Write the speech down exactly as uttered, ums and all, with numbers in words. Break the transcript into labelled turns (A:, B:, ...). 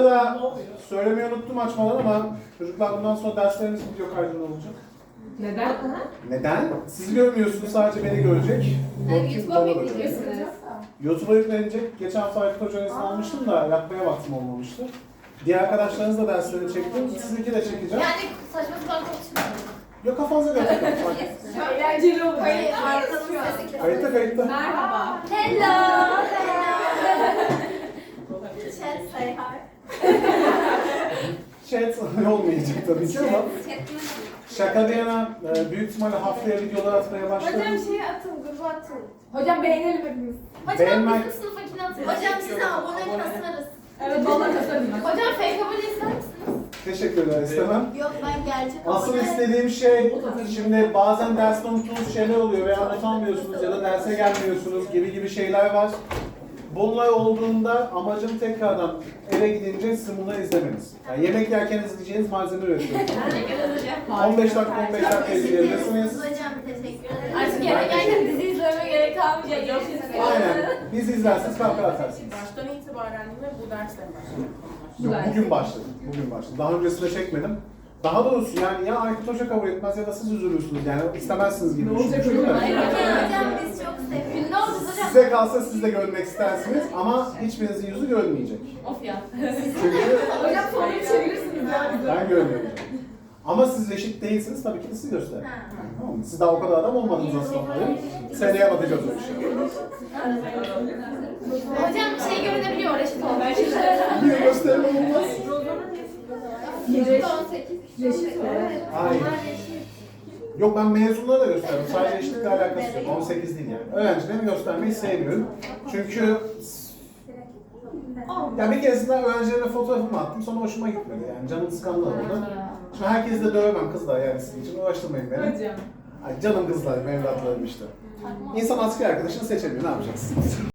A: arada söylemeyi unuttum açmadan ama çocuklar bundan sonra derslerimiz video kaydında olacak.
B: Neden?
A: Neden? Sizi görmüyorsunuz, sadece beni görecek.
C: YouTube'a mı yükleyeceksiniz?
A: YouTube'a yüklenecek. Geçen hafta Aykut Hoca'nın izin almıştım da yapmaya vaktim olmamıştı. Diğer arkadaşlarınız da derslerini çektim. Sizinki de çekeceğim.
C: Yani saçma sapan konuşmuyorum.
A: Yok, kafanıza göre takın.
B: Eğlenceli olur.
C: Hayır, arkanın sesi.
A: Kayıtta kayıtta.
B: Merhaba.
C: Hello. Chat say hi.
A: Chat olmayacak tabii ki ama şaka bir yana e, büyük ihtimalle haftaya videolar atmaya başladım.
D: Hocam şeyi atın, gruba atın.
B: Hocam beğenelim hepimiz.
C: Hocam
A: Beğenmek-
C: bizim sınıfakini atın. Hocam size abone kasarız.
B: Evet, valla kasarım ben.
C: Hocam fake abone ister misiniz?
A: Teşekkürler, istemem.
C: Yok, ben gerçek
A: Asıl
C: abone.
A: istediğim şey, şimdi bazen derste unuttuğunuz şeyler oluyor veya not almıyorsunuz ya da derse gelmiyorsunuz gibi gibi şeyler var. Bunlar olduğunda amacım tekrardan eve gidince sizin bunları izlemeniz. Yani yemek yerken izleyeceğiniz malzeme üretiyorum.
C: Teşekkür ederim hocam.
A: on beş dakika on beş dakika izleyebilirsiniz.
C: Hocam teşekkür ederim.
D: Artık eve geldim, dizi izlememe gerek kalmayacak.
A: Aynen. Biz izlersiniz, kahkaha atarsınız.
E: Baştan itibaren mi bu dersle başladı?
A: Yok, bugün başladım. Bugün başladım. Daha öncesinde çekmedim. Daha doğrusu yani ya Aykut Hoca kabul etmez ya da siz üzülürsünüz yani istemezsiniz gibi
B: Ne olacak
A: düşünmüştüm de.
B: hocam?
C: Hayır hocam, biz çok seviyoruz. Ne oldu hocam?
A: Size kalsa siz de görmek istersiniz ama hiçbirinizin yüzü görmeyecek.
D: Of ya.
A: Çünkü
B: Hocam soruyu çevirirsiniz ya bize.
A: ben görmüyorum. Ama siz reşit değilsiniz, tabii ki de siz gösterin. Tamam mı? Siz daha o kadar adam olmadınız aslında. Seneye bakacağız o işe.
C: Hocam şey görünebiliyor, reşit olmuş.
A: Bir de gösterme olmaz.
B: Reşit.
C: on sekiz.
B: Reşit mi?
A: Hayır. Yok, ben mezunlara da gösteriyorum. Sadece eşitlikle alakası yok. on sekiz değil yani. Öğrencilerimi göstermeyi sevmiyorum. Çünkü ya bir keresinde öğrencilerime fotoğrafımı attım, sonra hoşuma gitmedi yani. Canım sıkandı orada. Şimdi herkesi de dövemem kızlar yani, sizin için uğraştırmayın beni.
B: Hocam.
A: Ay, canım kızlarım, evlatlarım işte. İnsan asker arkadaşını seçemiyor, ne yapacaksın?